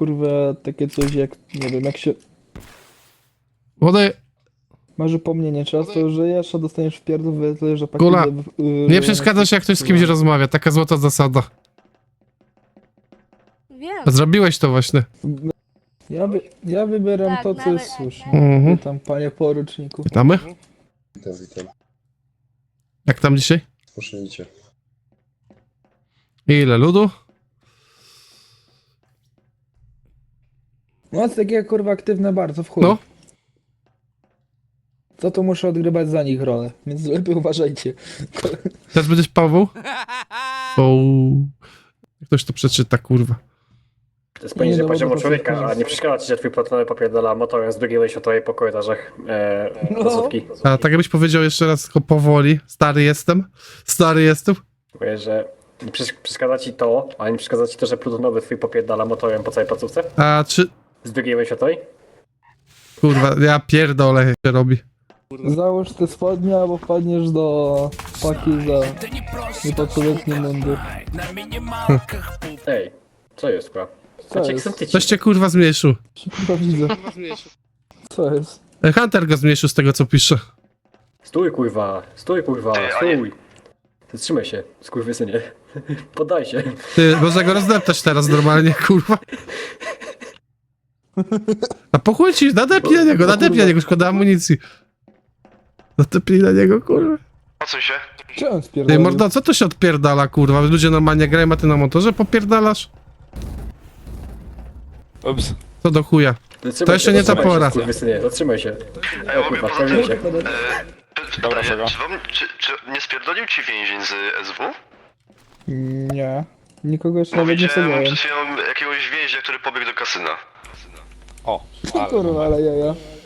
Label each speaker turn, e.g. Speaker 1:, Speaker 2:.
Speaker 1: kurwa takie coś jak, nie wiem, jak się
Speaker 2: Wody,
Speaker 1: masz upomnienie czasu, że jeszcze dostaniesz w pierdol, że
Speaker 2: Kula, nie przeszkadzasz jak ktoś z kimś rozmawia, taka złota zasada.
Speaker 3: Wiem.
Speaker 2: Zrobiłeś to właśnie.
Speaker 1: Ja wybieram
Speaker 3: Tak,
Speaker 1: to, co
Speaker 3: nawet-
Speaker 1: jest słuszne.
Speaker 2: Mhm.
Speaker 1: Witam, panie poruczniku.
Speaker 2: Witamy?
Speaker 4: Witam.
Speaker 2: Jak tam dzisiaj?
Speaker 4: Poszlicie.
Speaker 2: Ile ludu?
Speaker 1: No, jest takie kurwa aktywne bardzo w chuj.
Speaker 2: No.
Speaker 1: To to muszę odgrywać za nich rolę, więc lepiej uważajcie.
Speaker 2: Teraz będziesz Paweł? O. Ktoś to przeczyta, kurwa.
Speaker 5: To jest poniżej
Speaker 1: Nie, no, bo
Speaker 5: poziomu
Speaker 1: to
Speaker 5: człowieka,
Speaker 1: jest-
Speaker 5: a nie przeszkadza ci, że twój patronowy popierdala motorem z drugiej światowej po korytarzach placówki.
Speaker 2: A tak jakbyś powiedział jeszcze raz tylko powoli. Stary jestem. Stary jestem.
Speaker 5: Mówię, że nie przeszkadza ci to, a nie przeszkadza ci to, że plutonowy twój popierdala motorem po całej placówce
Speaker 2: A czy...
Speaker 5: z drugiej światowej?
Speaker 2: Kurwa, ja pierdolę, jak się robi.
Speaker 1: Załóż te spodnie, albo wpadniesz do paki za niepotrzebny mundur.
Speaker 5: Ej, co jest, kurwa?
Speaker 1: Co
Speaker 5: Macie
Speaker 1: jest?
Speaker 5: ksentyci.
Speaker 2: Coś cię kurwa zmniejszył.
Speaker 1: Kurwa widzę. Co jest?
Speaker 2: Hunter go zmniejszył z tego co pisze.
Speaker 5: Stój, kurwa, stój, kurwa, stój. Zatrzymaj się, skurwysynie. Poddaj się.
Speaker 2: Ty, można go rozdeptać teraz normalnie, kurwa. A po chuj ci, nadepnij na niego, szkoda amunicji. Nadepnij na niego, kurwa.
Speaker 6: O co się?
Speaker 1: Czemu
Speaker 2: Ty,
Speaker 1: spierdolił?
Speaker 2: mordo, co to się odpierdala, kurwa? Ludzie normalnie grają, a ty na motorze popierdalasz?
Speaker 6: Ups.
Speaker 2: Co do chuja?
Speaker 5: Zatrzymaj
Speaker 2: To jeszcze
Speaker 5: się,
Speaker 2: nie ta
Speaker 5: zatrzymaj się,
Speaker 2: pora.
Speaker 5: skurwysynie, zatrzymaj się.
Speaker 6: A ja
Speaker 5: O
Speaker 6: mogę
Speaker 5: kurwa,
Speaker 6: poza
Speaker 5: pewnie
Speaker 6: tym...
Speaker 5: się.
Speaker 6: Pytanie, czy nie spierdolił ci więzień z SW?
Speaker 1: Nie. Nikogo jeszcze
Speaker 6: Bo
Speaker 1: nawet nie
Speaker 6: widziałem
Speaker 1: wsadziłem.
Speaker 6: przed chwilą jakiegoś więźnia, który pobiegł do kasyna.
Speaker 1: Kurwa, ale jaja.